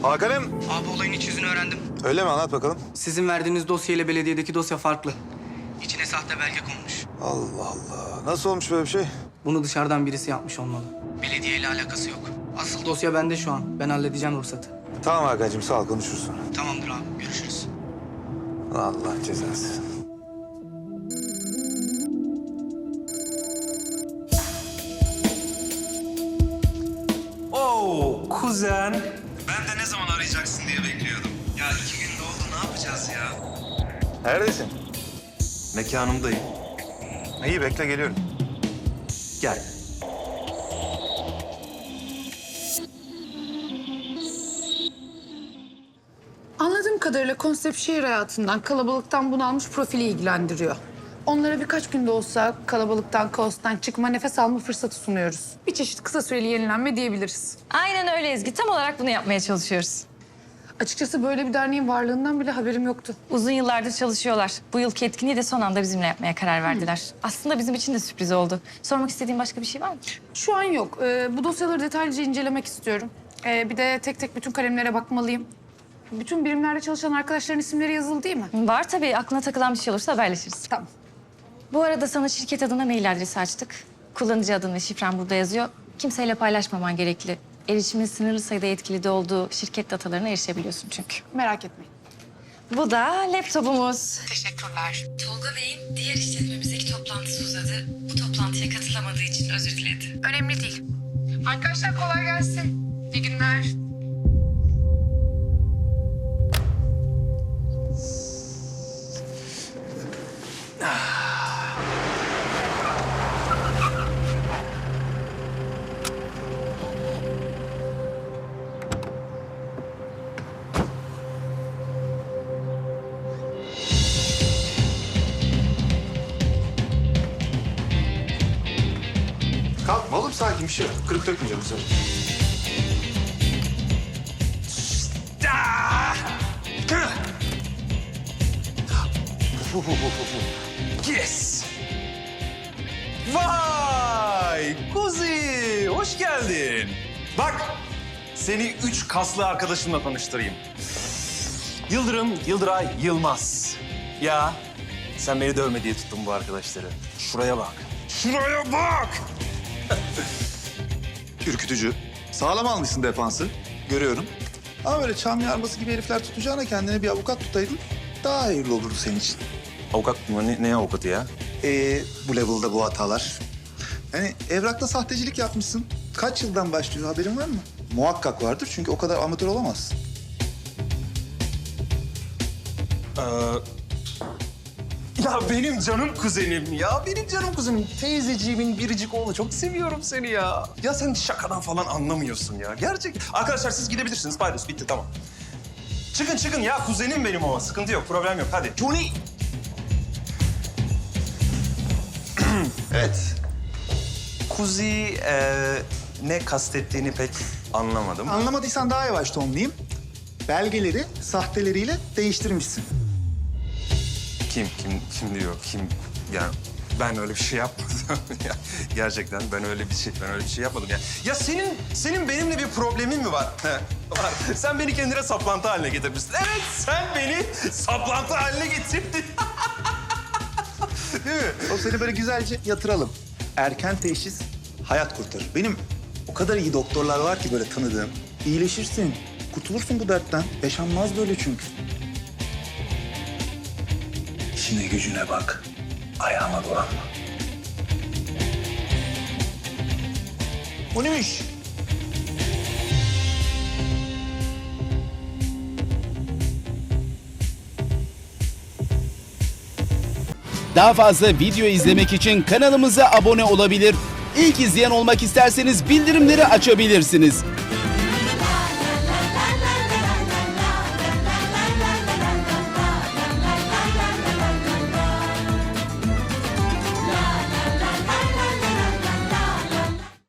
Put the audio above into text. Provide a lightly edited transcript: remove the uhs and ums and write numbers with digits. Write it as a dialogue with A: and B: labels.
A: Hakan'ım.
B: Abi olayın iç yüzünü öğrendim.
A: Öyle mi? Anlat bakalım.
B: Sizin verdiğiniz dosya ile belediyedeki dosya farklı. İçine sahte belge konmuş.
A: Allah Allah. Nasıl olmuş böyle bir şey?
B: Bunu dışarıdan birisi yapmış olmalı. Belediye ile alakası yok. Asıl dosya bende şu an. Ben halledeceğim ruhsatı.
A: Tamam Hakan'cığım, sağ ol, konuşuruz sonra.
B: Tamamdır abi, görüşürüz.
A: Allah cezası.
C: Oo kuzen. Ben de ne zaman arayacaksın diye bekliyordum. Ya 2 gün oldu, ne yapacağız ya?
A: Neredesin?
C: Mekanımdayım.
A: İyi, bekle, geliyorum.
C: Gel.
D: Anladığım kadarıyla konsept şehir hayatından, kalabalıktan bunalmış profili ilgilendiriyor. Onlara birkaç günde olsa kalabalıktan, kaostan çıkma, nefes alma fırsatı sunuyoruz. Bir çeşit kısa süreli yenilenme diyebiliriz.
E: Aynen öyle Ezgi. Tam olarak bunu yapmaya çalışıyoruz.
D: Açıkçası böyle bir derneğin varlığından bile haberim yoktu.
E: Uzun yıllardır çalışıyorlar. Bu yılki etkinliği de son anda bizimle yapmaya karar verdiler. Aslında bizim için de sürpriz oldu. Sormak istediğin başka bir şey var mı?
D: Şu an yok. Bu dosyaları detaylıca incelemek istiyorum. Bir de tek tek bütün kalemlere bakmalıyım. Bütün birimlerde çalışan arkadaşların isimleri yazılı değil mi?
E: Var tabii. Aklına takılan bir şey olursa haberleşiriz.
D: Tamam.
E: Bu arada sana şirket adına mail adresi açtık. Kullanıcı adın ve şifren burada yazıyor. Kimseyle paylaşmaman gerekli. Erişimin sınırlı sayıda yetkili olduğu şirket datalarına erişebiliyorsun çünkü.
D: Merak etmeyin.
E: Bu da laptopumuz.
D: Teşekkürler.
E: Tolga Bey'in diğer işletmemizdeki toplantısı uzadı. Bu toplantıya katılamadığı için özür diledi.
D: Önemli değil. Arkadaşlar kolay gelsin. İyi günler.
A: Kalkma oğlum, sakin, bir şey yok. Kırık dökmeyeceğim bu sefer.
C: Yes! Vay! Kuzi! Hoş geldin. Bak, seni 3 kaslı arkadaşımla tanıştırayım. Yıldırım, Yıldıray, Yılmaz. Ya, sen beni dövme diye tuttun bu arkadaşları. Şuraya bak. Şuraya bak!
A: Ürkütücü. Sağlam almışsın defansı. Görüyorum. Ama böyle çam yarması gibi herifler tutacağına kendine bir avukat tutaydın. Daha hayırlı olurdu senin için.
C: Avukat mı? Ne avukatı ya?
A: Bu level'da bu hatalar. Yani evrakta sahtecilik yapmışsın. Kaç yıldan başlıyor, haberin var mı? Muhakkak vardır, çünkü o kadar amatör olamazsın.
C: Ya benim canım kuzenim ya. Benim canım kuzenim. Teyzeciğimin biricik oğlu. Çok seviyorum seni ya. Ya sen şakadan falan anlamıyorsun ya. Gerçek. Arkadaşlar siz gidebilirsiniz. Paydos bitti, tamam. Çıkın çıkın ya. Kuzenim benim o. Sıkıntı yok, problem yok. Hadi. Johnny. Evet. Kuzi ne kastettiğini pek anlamadım.
A: Anlamadıysan daha yavaş tonlayayım. Belgeleri sahteleriyle değiştirmişsin.
C: Kim diyor? Kim? Yani ben öyle bir şey yapmadım. Ya, gerçekten ben öyle bir şey yapmadım ya. Ya senin benimle bir problemin mi var? Var. Sen beni kendine saplantı haline getirmişsin. Evet, sen beni saplantı haline getirdin.
A: Değil mi? O seni böyle güzelce yatıralım. Erken teşhis hayat kurtarır. Benim o kadar iyi doktorlar var ki böyle tanıdığım. İyileşirsin, kurtulursun bu dertten. Yaşanmaz böyle çünkü. İşine gücüne bak. Ayağıma dolanma. O neymiş?
F: Daha fazla video izlemek için kanalımıza abone olabilir. İlk izleyen olmak isterseniz bildirimleri açabilirsiniz.